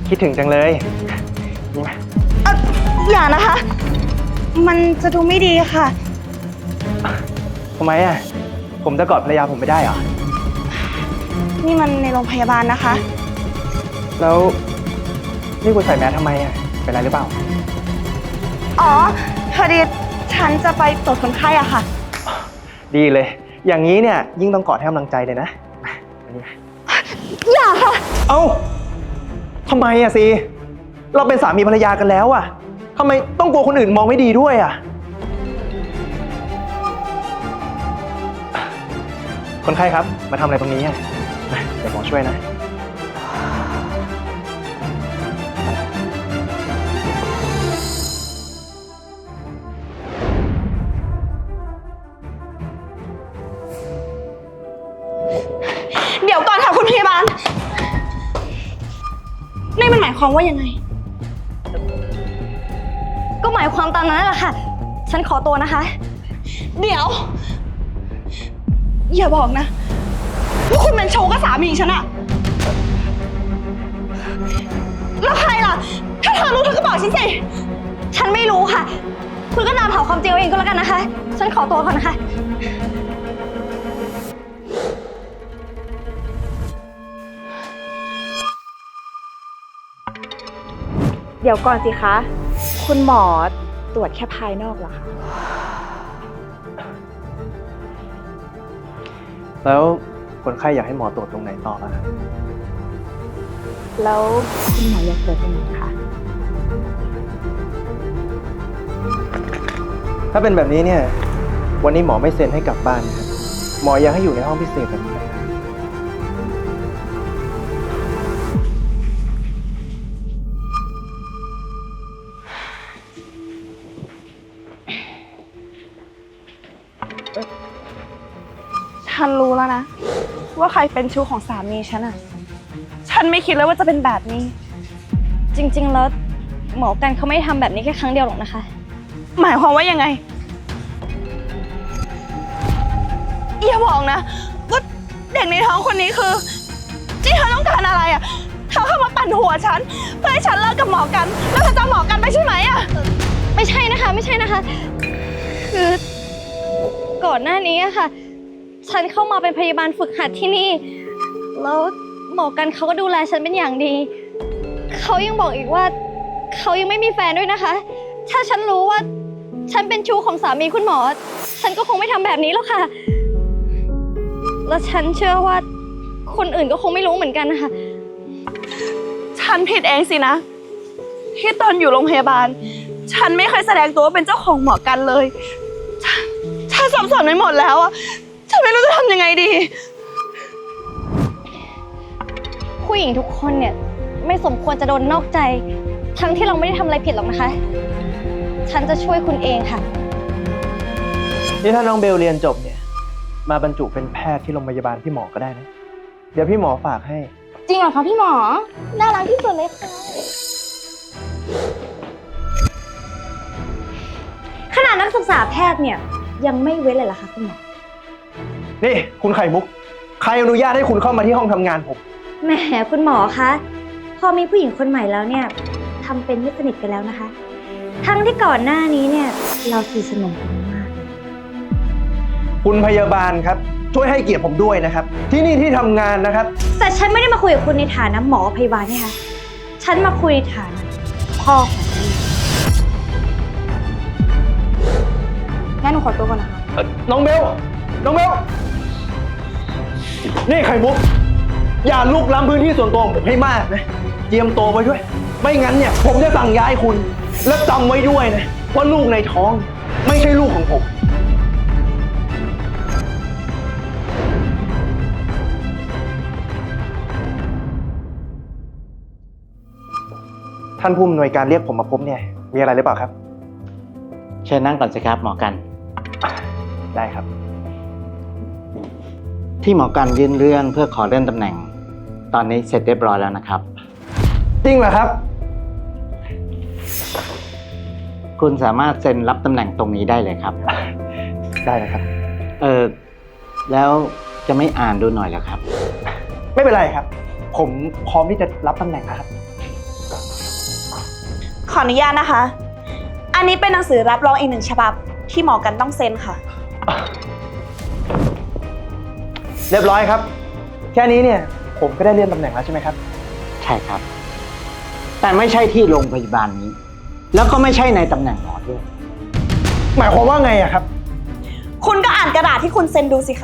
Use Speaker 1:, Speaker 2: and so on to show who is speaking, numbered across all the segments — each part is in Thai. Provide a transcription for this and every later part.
Speaker 1: คิดถึงจังเลยนี่มา
Speaker 2: อย่านะคะ มันจะดูไม่ดีค่ะ
Speaker 1: ทำไมอ่ะผมจะกอดภรรยาผมไม่ได้เหรอ
Speaker 2: นี่มันในโรงพยาบาลนะคะ
Speaker 1: แล้วนี่คุณใส่แมสทำไมอ่ะเป็นไรหรือเปล่า
Speaker 2: อ๋อพอดีฉันจะไปตรวจคนไข้อะค่ะ
Speaker 1: ดีเลย อย่างนี้เนี่ยยิ่งต้องกอดให้กำลังใจเลยนะมานี่มา
Speaker 2: อย่าค่ะ
Speaker 1: เอ้าทำไมอ่ะซีเราเป็นสามีภรรยากันแล้วอ่ะทำไมต้องกลัวคนอื่นมองไม่ดีด้วยอ่ะคนไข้ครับมาทำอะไรตรงนี้อ่ะมาเดี๋ยวหมอช่วยนะ
Speaker 2: เดี๋ยวก่อนค่ะคุณพยาบาล นี่มันหมายความว่ายังไง
Speaker 3: ก็หมายความตามนั้นแหละค่ะ ฉันขอตัวนะคะ
Speaker 2: เดี๋ยว อย่าบอกนะว่าคุณเป็นโชว์กับสามีฉันอะแล้วใครล่ะ ถ้าเธอรู้เธอก็บอกฉันสิ
Speaker 3: ฉันไม่รู้ค่ะ คุณก็นำเผาความจริงเอาเองก็แล้วกันนะคะ ฉันขอตัวก่อนนะคะ
Speaker 4: เดี๋ยวก่อนสิคะ คุณหมอตรวจแค่ภายนอกเหรอคะ
Speaker 1: แล้วคนไข้อยากให้หมอตรวจตรงไหนต่อล่ะครับ
Speaker 4: แล้วคุณหมออยากตรวจตรงไหนคะ
Speaker 1: ถ้าเป็นแบบนี้เนี่ยวันนี้หมอไม่เซ็นให้กลับบ้านนะครับหมอยังให้อยู่ในห้องพิเศษแบบนี้นะครับ
Speaker 2: ฉันรู้แล้วนะ ว่าใครเป็นชู้ของสามีฉันอะฉันไม่คิดเลยว่าจะเป็นแบบนี้
Speaker 3: จริงๆ แล้วหมอกันเขาไม่ได้ทำแบบนี้แค่ครั้งเดียวหรอกนะคะ
Speaker 2: หมายความว่ายังไงอย่าบอกนะว่าเด็กในท้องคนนี้คือที่เธอต้องการอะไรอะเธอเข้ามาปั่นหัวฉันเพื่อให้ฉันเลิกกับหมอกัน แล้วเธอจะเอาหมอกันไปใช่ไหมอะ
Speaker 3: ไม่ใช่นะคะ ไม่ใช่นะคะ คือก่อนหน้านี้อะค่ะ ฉันเข้ามาเป็นพยาบาลฝึกหัดที่นี่ แล้วหมอกันเขาก็ดูแลฉันเป็นอย่างดี เขายังบอกอีกว่าเขายังไม่มีแฟนด้วยนะคะ ถ้าฉันรู้ว่าฉันเป็นชู้ของสามีคุณหมอ ฉันก็คงไม่ทำแบบนี้หรอกค่ะ และฉันเชื่อว่าคนอื่นก็คงไม่รู้เหมือนกันนะคะ
Speaker 2: ฉันผิดเองสินะ ที่ตอนอยู่โรงพยาบาล ฉันไม่เคยแสดงตัวว่าเป็นเจ้าของหมอกันเลยฉันสับสนไปหมดแล้วอะฉันไม่รู้จะทำยังไงดี
Speaker 3: ผู้หญิงทุกคนเนี่ยไม่สมควรจะโดนนอกใจ ทั้งที่เราไม่ได้ทำอะไรผิดหรอกนะคะ ฉันจะช่วยคุณเองค่ะ
Speaker 1: นี่ถ้าน้องเบลเรียนจบเนี่ยมาบรรจุเป็นแพทย์ที่โรงพยาบาลพี่หมอก็ได้นะเดี๋ยวพี่หมอฝากให้
Speaker 3: จริงเหรอคะพี่หมอ น่ารักที่สุดเลยค่ะ ขนาดนักศึกษาแพทย์เนี่ยยังไม่เว้นเลยเหรอคะคุณหมอ
Speaker 1: นี่คุณไข่มุกใครอนุญาตให้คุณเข้ามาที่ห้องทำงานผม
Speaker 3: แหมคุณหมอคะ พอมีผู้หญิงคนใหม่แล้วเนี่ยทำเป็นไม่สนิทกันแล้วนะคะ ทั้งที่ก่อนหน้านี้เนี่ยเราสนิทสนมกันมาก
Speaker 1: คุณพยาบาลครับช่วยให้เกียรติผมด้วยนะครับที่นี่ที่ทำงานนะครับ
Speaker 3: แต่ฉันไม่ได้มาคุยกับคุณในฐานะหมอพยาบาลนี่ค่ะ ฉันมาคุยในฐานะพ่อของลูก
Speaker 4: งั้นหนูขอตัวก่อนนะคะ
Speaker 1: น้องเบล น้องเบล นี่ไข่มุก อย่าลุกล้ำพื้นที่ส่วนตัวของผมให้มากนะ เตรียมตัวไว้ด้วย ไม่งั้นเนี่ยผมจะสั่งย้ายคุณ และจำไว้ด้วยนะว่าลูกในท้องไม่ใช่ลูกของผม ท่านผู้อำนวยการเรียกผมมาพบเนี่ย มีอะไรหรือเปล่าครับ
Speaker 5: เชิญนั่งก่อนสิครับหมอกัน
Speaker 1: ได้ครับ
Speaker 5: ที่หมอกันยื่นเรื่องเพื่อขอเลื่อนตำแหน่ง ตอนนี้เสร็จเรียบร้อยแล้วนะครับ
Speaker 1: จริงเหรอครับ
Speaker 5: คุณสามารถเซ็นรับตำแหน่งตรงนี้ได้เลยครับ
Speaker 1: ได้นะครับ
Speaker 5: แล้วจะไม่อ่านดูหน่อยเหรอครับ
Speaker 1: ไม่เป็นไรครับ ผมพร้อมที่จะรับตำแหน่งนะครับ
Speaker 2: ออนุญาตนะคะ อันนี้เป็นหนังสือรับรองอีกหนึ่งฉบับที่หมอกันต้องเซ็นค่ะ
Speaker 1: เรียบร้อยครับ แค่นี้เนี่ยผมก็ได้เลื่อนตำแหน่งแล้วใช่ไหมครับ
Speaker 5: ใช่ครับ แต่ไม่ใช่ที่โรงพยาบาลนี้ แล้วก็ไม่ใช่ในตำแหน่งหมอด้วย
Speaker 1: หมายความว่าไงอะครับ
Speaker 2: คุณก็อ่านกระดาษที่คุณเซ็นดูสิคะ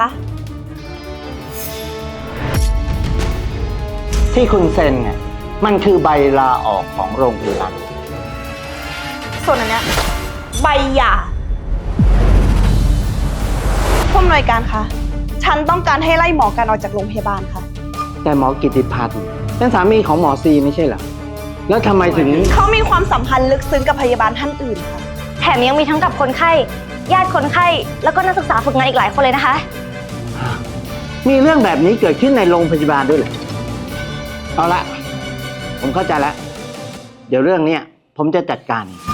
Speaker 5: ที่คุณเซ็นเนี่ยมันคือใบลาออกของโรงพยาบาล
Speaker 2: ส่วนอันเนี้ยใบหย่าผู้อำนวยการคะ ฉันต้องการให้ไล่หมอกันออกจากโรงพยาบาลค่ะ
Speaker 5: แต่หมอกิติพัฒน์เป็นสามีของหมอซีไม่ใช่เหรอ แล้วทำไมถึง
Speaker 2: เขามีความสัมพันธ์ลึกซึ้งกับพยาบาลท่านอื่นค่ะ
Speaker 3: แถมยังมีทั้งกับคนไข้ ญาติคนไข้ แล้วก็นักศึกษาฝึกงานอีกหลายคนเลยนะคะ
Speaker 5: มีเรื่องแบบนี้เกิดขึ้นในโรงพยาบาลด้วยเหรอ เอาละ ผมเข้าใจแล้ว เดี๋ยวเรื่องเนี้ยผมจะจัดการเอง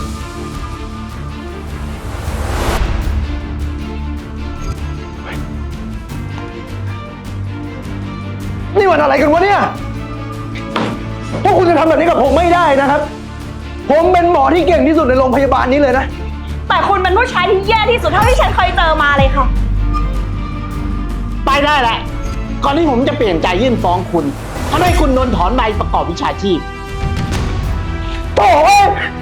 Speaker 1: นี่มันอะไรกันวะเนี่ย พวกคุณจะทำแบบนี้กับผมไม่ได้นะครับ ผมเป็นหมอที่เก่งที่สุดในโรงพยาบาลนี้เลยนะ
Speaker 2: แต่คุณเป็นผู้ชายที่แย่ที่สุดเท่าที่ฉันเคยเจอมาเลยค่ะ
Speaker 5: ไปได้แหละ ก่อนที่ผมจะเปลี่ยนใจยื่นฟ้องคุณทำให้คุณโดนถอนใบประกอบวิชาชีพ
Speaker 1: โถ่เอ้ย